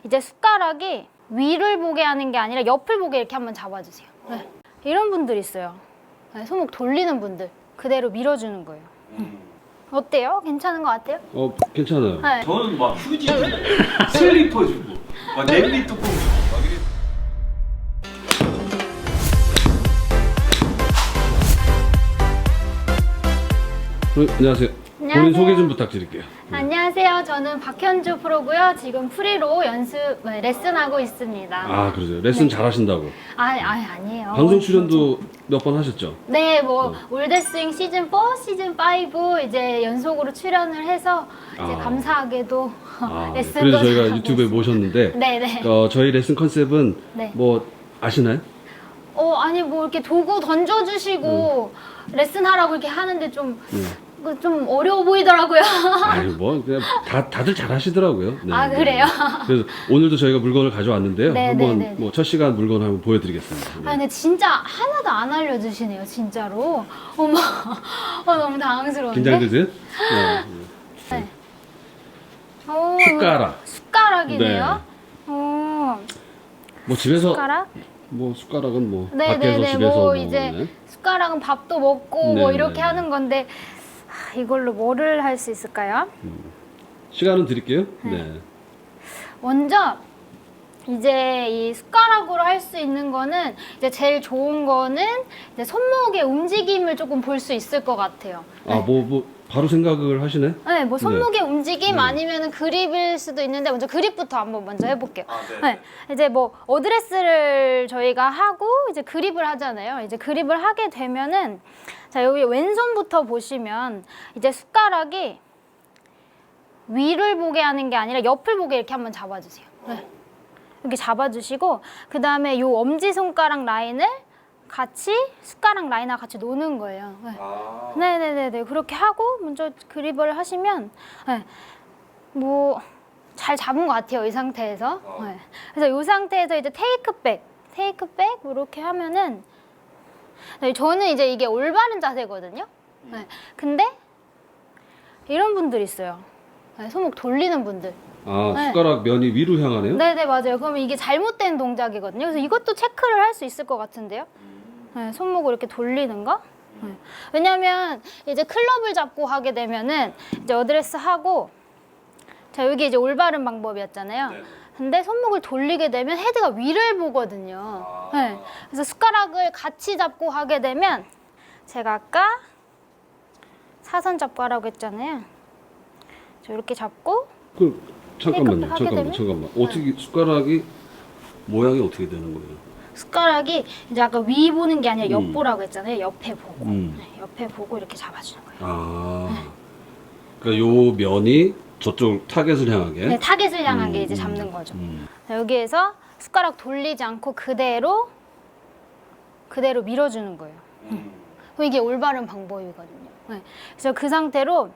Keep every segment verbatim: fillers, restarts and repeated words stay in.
이제 숟가락이 위를 보게 하는 게 아니라 옆을 보게 이렇게 한번 잡아주세요. 네. 이런 분들 있어요. 네, 손목 돌리는 분들 그대로 밀어주는 거예요. 음. 어때요? 괜찮은 것 같아요? 어, 괜찮아요. 네. 저는 막 휴지 주고 슬리퍼 주고 막 냄비 뚜껑 주고 막 이래. 어, 안녕하세요. 본인 안녕하세요. 소개 좀 부탁드릴게요. 네. 안녕하세요. 저는 박현주 프로고요. 지금 프리로 연습 네, 레슨하고 있습니다. 아, 그러세요. 레슨 네. 잘하신다고. 아, 아 아니에요. 방송 출연도 몇 번 하셨죠? 네, 뭐 네. 올드스윙 시즌 사, 시즌 오 이제 연속으로 출연을 해서 이제 아. 감사하게도 아, 네. 레슨도 그래서 저희가 잘하고 유튜브에 있습니다. 모셨는데 네, 네. 어, 저희 레슨 컨셉은 네. 뭐 아시나요? 어, 아니 뭐 이렇게 도구 던져주시고 레슨하라고 이렇게 하는데 좀. 네. 그 좀 어려워 보이더라고요. 아니 뭐 그냥 다 다들 잘하시더라고요. 네, 아, 그래요? 네. 그래서 오늘도 저희가 물건을 가져왔는데요. 네, 한번 네, 네, 네. 뭐 첫 시간 물건 한번 보여드리겠습니다. 네. 아 근데 진짜 하나도 안 알려주시네요, 진짜로. 어머, 어, 너무 당황스러운데. 긴장되세요? 네. 네. 오, 숟가락. 숟가락이네요. 오, 뭐 집에서 숟가락? 뭐 숟가락은 뭐 네, 밖에서 네, 네. 집에서 뭐 뭐, 이제 네. 숟가락은 밥도 먹고 네, 뭐 네, 이렇게 네. 하는 건데 아, 이걸로 뭐를 할 수 있을까요? 시간은 드릴게요. 네. 네. 먼저 이제 이 숟가락으로 할 수 있는 거는 이제 제일 좋은 거는 이제 손목의 움직임을 조금 볼 수 있을 것 같아요. 아, 뭐, 뭐, 바로 생각을 하시네? 네, 뭐 손목의 네. 움직임 네. 아니면 그립일 수도 있는데 먼저 그립부터 한번 먼저 해볼게요. 아, 네. 네, 이제 뭐 어드레스를 저희가 하고 이제 그립을 하잖아요. 이제 그립을 하게 되면은 자 여기 왼손부터 보시면 이제 숟가락이 위를 보게 하는 게 아니라 옆을 보게 이렇게 한번 잡아주세요. 네. 이렇게 잡아주시고 그 다음에 요 엄지 손가락 라인을 같이 숟가락 라인하고 같이 노는 거예요. 네. 아. 네네네네 그렇게 하고 먼저 그립을 하시면 네. 뭐 잘 잡은 것 같아요 이 상태에서. 어. 네. 그래서 이 상태에서 이제 테이크백 테이크백 이렇게 하면은 네, 저는 이제 이게 올바른 자세거든요. 네. 근데 이런 분들 있어요. 네, 손목 돌리는 분들. 아, 네. 숟가락 면이 위로 향하네요? 네네 맞아요. 그러면 이게 잘못된 동작이거든요. 그래서 이것도 체크를 할 수 있을 것 같은데요. 네, 손목을 이렇게 돌리는 거. 네. 왜냐면 이제 클럽을 잡고 하게 되면은 이제 어드레스 하고 자 여기 이제 올바른 방법이었잖아요. 네. 근데 손목을 돌리게 되면 헤드가 위를 보거든요. 아. 네. 그래서 숟가락을 같이 잡고 하게 되면 제가 아까 사선 잡고 하라고 했잖아요. 저 이렇게 잡고 그, 잠깐만요. 테이크업 하게 잠깐만, 되면? 잠깐만. 어떻게, 숟가락이 모양이 어떻게 되는 거예요? 숟가락이 이제 아까 위 보는 게 아니라 옆 음. 보라고 했잖아요. 옆에 보고 음. 네, 옆에 보고 이렇게 잡아주는 거예요. 아. 그러니까 요 면이 저쪽 타겟을 향하게? 네, 타겟을 향한 게 음, 이제 음, 잡는 거죠. 음. 자, 여기에서 숟가락 돌리지 않고 그대로 그대로 밀어주는 거예요. 음. 그럼 이게 올바른 방법이거든요. 네. 그래서 그 상태로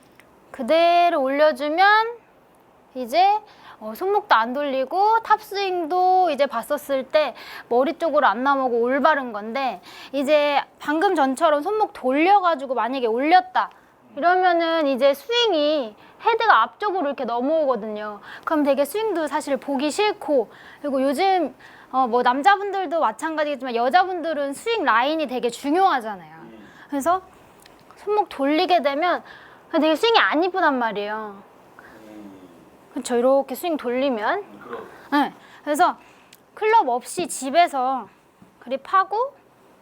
그대로 올려주면 이제 어, 손목도 안 돌리고 탑스윙도 이제 봤었을 때 머리 쪽으로 안 나오고 올바른 건데 이제 방금 전처럼 손목 돌려가지고 만약에 올렸다 이러면은 이제 스윙이 헤드가 앞쪽으로 이렇게 넘어오거든요. 그럼 되게 스윙도 사실 보기 싫고 그리고 요즘 어, 뭐 남자분들도 마찬가지겠지만 여자분들은 스윙 라인이 되게 중요하잖아요. 그래서 손목 돌리게 되면 되게 스윙이 안 이쁘단 말이에요. 그렇죠. 이렇게 스윙 돌리면. 그럼. 네. 그래서 클럽 없이 집에서 그립하고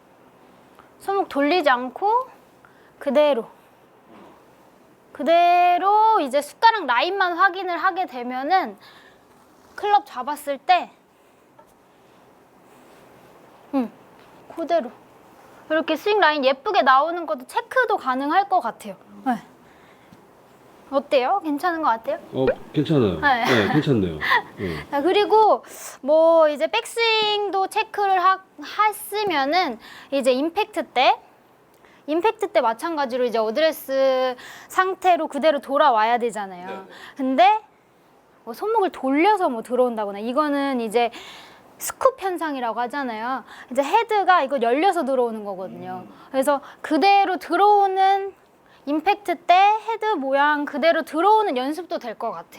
손목 돌리지 않고 그대로 그대로 이제 숟가락 라인만 확인을 하게 되면은 클럽 잡았을 때 음, 그대로 이렇게 스윙 라인 예쁘게 나오는 것도 체크도 가능할 것 같아요. 네. 어때요? 괜찮은 것 같아요? 어, 괜찮아요. 네. 네, 괜찮네요. 네. 자, 그리고 뭐 이제 백스윙도 체크를 하, 했으면은 이제 임팩트 때 임팩트 때 마찬가지로 이제 어드레스 상태로 그대로 돌아와야 되잖아요. 네. 근데 뭐 손목을 돌려서 뭐 들어온다거나 이거는 이제 스쿱 현상이라고 하잖아요. 이제 헤드가 이거 열려서 들어오는 거거든요. 그래서 그대로 들어오는 임팩트 때 헤드 모양 그대로 들어오는 연습도 될 것 같아요.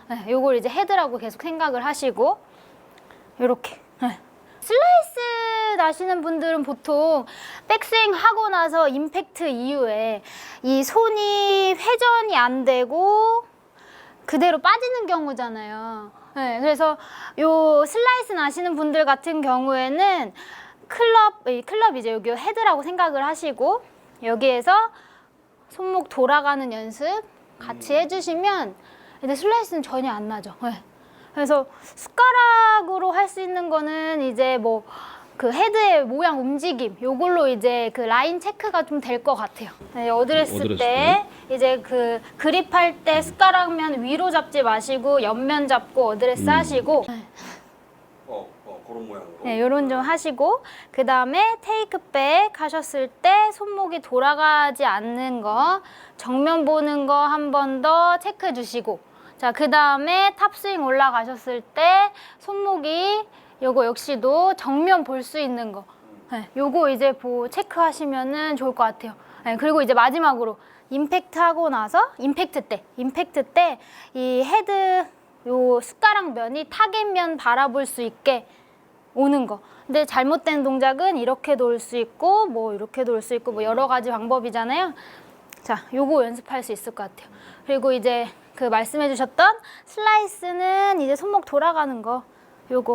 네, 요걸 이제 헤드라고 계속 생각을 하시고 이렇게. 네. 슬라이스 나시는 분들은 보통 백스윙 하고 나서 임팩트 이후에 이 손이 회전이 안 되고 그대로 빠지는 경우잖아요. 네, 그래서 요 슬라이스 나시는 분들 같은 경우에는 클럽, 이 클럽이제 여기 헤드라고 생각을 하시고 여기에서 손목 돌아가는 연습 같이 해주시면 이제 슬라이스는 전혀 안 나죠. 네. 그래서 숟가락으로 할 수 있는 거는 이제 뭐 그 헤드의 모양 움직임 요걸로 이제 그 라인 체크가 좀 될 것 같아요. 네, 어드레스, 어드레스 때 이제 그 그립할 때 숟가락면 위로 잡지 마시고 옆면 잡고 어드레스 음. 하시고 어, 어 그런 모양으로. 네, 요런 좀 하시고 그 다음에 테이크백 하셨을 때 손목이 돌아가지 않는 거 정면 보는 거 한 번 더 체크해 주시고 자, 그 다음에 탑스윙 올라가셨을 때 손목이 요거 역시도 정면 볼 수 있는 거 네, 요거 이제 보 체크하시면은 좋을 것 같아요. 네, 그리고 이제 마지막으로 임팩트 하고 나서 임팩트 때 임팩트 때 이 헤드 요 숟가락 면이 타겟면 바라볼 수 있게 오는 거. 근데 잘못된 동작은 이렇게도 올 수 있고 뭐 이렇게도 올 수 있고 뭐 여러 가지 방법이잖아요. 자, 요거 연습할 수 있을 것 같아요. 그리고 이제 그 말씀해 주셨던 슬라이스는 이제 손목 돌아가는 거 요거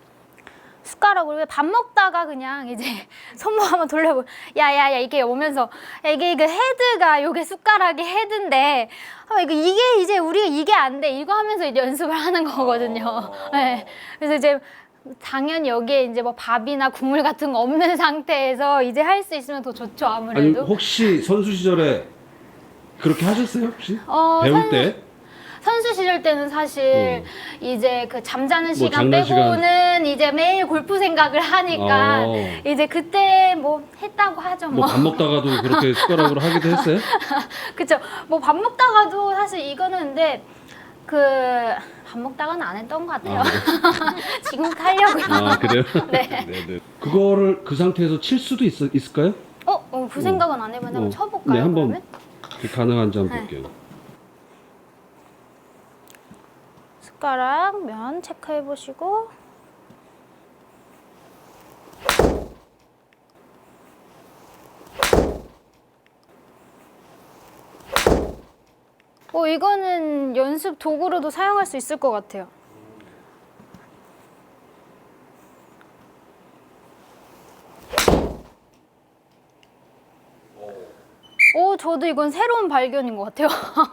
숟가락으로 밥 먹다가 그냥 이제 손목 한번 돌려보 야야야 이게 오면서 야, 이게 이게 헤드가 요게 숟가락이 헤드인데 아, 이거 이게 이제 우리가 이게 안 돼 이거 하면서 이제 연습을 하는 거거든요. 네. 그래서 이제 당연히 여기에 이제 뭐 밥이나 국물 같은 거 없는 상태에서 이제 할 수 있으면 더 좋죠 아니 아무래도. 혹시 선수 시절에 그렇게 하셨어요 혹시? 어, 배울 선- 때? 선수 시절 때는 사실 이제 그 잠자는 시간 장난 빼고는 이제 매일 골프 생각을 하니까 어. 이제 그때 뭐 했다고 하죠 뭐 뭐. 밥 먹다가도 그렇게 숟가락으로 하기도 했어요? 그쵸. 뭐 밥 먹다가도 사실 이거는 근데 그 밥 먹다가는 안 했던 것 같아요. 아, 지금 하려고요. 아 그래요? 네. 네네. 그거를 그 상태에서 칠 수도 있, 있을까요? 어, 어, 그 생각은 안 해봤는데 한번 어. 쳐볼까요? 네, 한번 그러면? 가능한지 한번 네. 볼게요. 숟가락 면 체크해 보시고. 어, 이거는 연습 도구로도 사용할 수 있을 것 같아요. 오, 저도 이건 새로운 발견인 것 같아요.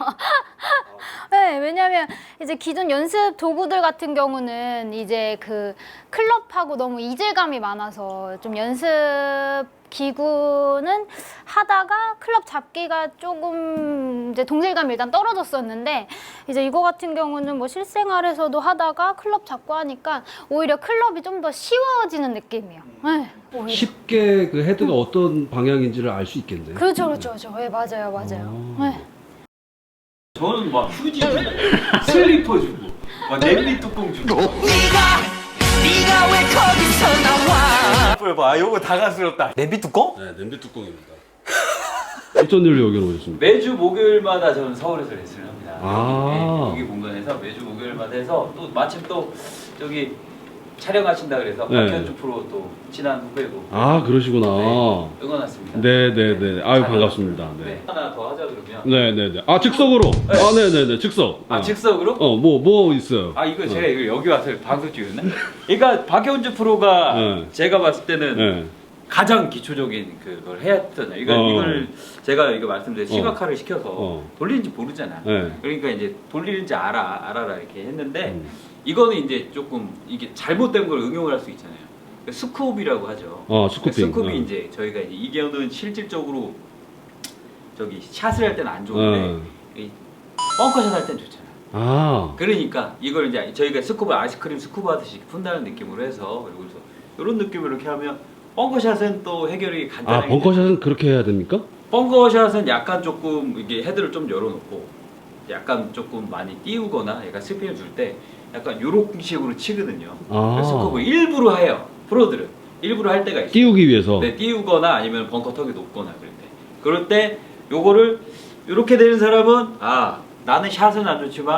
네, 왜냐면 이제 기존 연습 도구들 같은 경우는 이제 그 클럽하고 너무 이질감이 많아서 좀 연습 기구는 하다가 클럽 잡기가 조금 이제 동질감이 일단 떨어졌었는데 이제 이거 같은 경우는 뭐 실생활에서도 하다가 클럽 잡고 하니까 오히려 클럽이 좀 더 쉬워지는 느낌이에요. 네, 오히려. 쉽게 그 헤드가 어떤 방향인지를 알 수 있겠네요. 그렇죠, 그렇죠, 그렇죠. 네, 맞아요, 맞아요. 아. 네. 저는 막 휴지 주고 슬리퍼 주고 막 냄비 뚜껑 주고 네가 네가 왜 거기서 나와? 봐 요거 다가스럽다. 냄비 뚜껑? 네, 냄비 뚜껑입니다. 어떤 일로 여기로 오셨습니까? 매주 목요일마다 저는 서울에서 레슨을 합니다. 아. 네, 여기 공간에서 매주 목요일마다 해서 또 마침 또 저기 촬영하신다 그래서 네. 박현주 프로 또 친한 후배고 아 그러시구나. 네, 응원 왔습니다. 네네네. 아유 잘 반갑습니다. 네. 네. 하나 더 하자 그러면. 네네네. 아 즉석으로. 아 네네네. 즉석. 아 어. 즉석으로? 어 뭐 뭐 있어요? 아 이거 제가 이거 여기 와서 방송 찍었나? 그러니까 박현주 프로가 네. 제가 봤을 때는 네. 가장 기초적인 그걸 해야 했잖아요. 이거 어. 이걸 제가 이거 말씀드린 시각화를 시켜서 어. 돌리는지 모르잖아. 네. 그러니까 이제 돌리는지 알아 알아라 이렇게 했는데 음. 이거는 이제 조금 이게 잘못된 걸 응용을 할 수 있잖아요. 스쿠업이라고 하죠. 어, 스쿠핑. 스쿠업이 어. 이제 저희가 이제 이게는 실질적으로 저기 샷을 할 때는 안 좋은데 어. 이 벙커샷 할 때는 좋잖아. 아. 그러니까 이걸 이제 저희가 스쿠버 아이스크림 스쿠버 하듯이 푼다는 느낌으로 해서 그리고 그래서 이런 느낌으로 이렇게 하면 벙커샷은 또 해결이 아 간단하게 벙커샷은 그렇게 해야 됩니까? 벙커샷은 약간 조금 이게 헤드를 좀 열어놓고 약간 조금 많이 띄우거나 약간 스핀을 줄 때 약간 요런 식으로 치거든요. 아. 그래서 그거 일부러 해요. 프로들은 일부러 할 때가 있어요. 띄우기 위해서. 네, 띄우거나 아니면 벙커 턱이 높거나 그럴 때. 그럴 때 요거를 이렇게 되는 사람은 아 나는 샷은 안 좋지만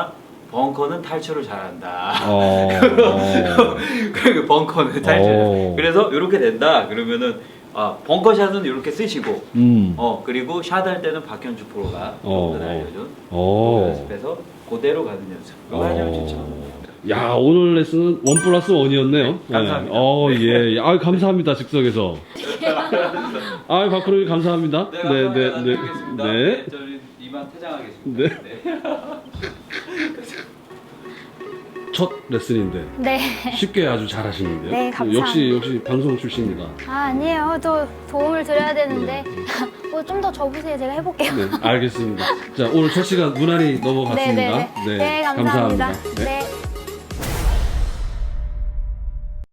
벙커는 탈출을 잘한다. 어. 어. 그리고 벙커는 탈출. 어. 그래서 이렇게 된다. 그러면은 아 벙커샷은 이렇게 쓰시고, 음. 어 그리고 샷할 때는 박현주 프로가 어. 오늘 알려준 어. 연습해서 그대로 가는 연습. 이거 하시면 좋죠. 야, 오늘 레슨은 원 플러스 원이었네요. 감사합니다. 네. 어, 예. 아, 감사합니다. 즉석에서. 아, 박프로님 감사합니다. 네, 감사합니다. 네, 드리겠습니다. 네. 네, 저는 이만 퇴장하겠습니다. 네. 네. 첫 레슨인데 네. 쉽게 아주 잘하시는데요. 네, 감사합니다. 역시 역시 방송 출신이다. 아, 아니에요. 또 도움을 드려야 되는데. 뭐 좀 더 접으세요. 제가 해볼게요. 네, 알겠습니다. 자, 오늘 첫 시간 무난히 넘어갔습니다. 네, 네, 네. 네, 감사합니다. 네. 네.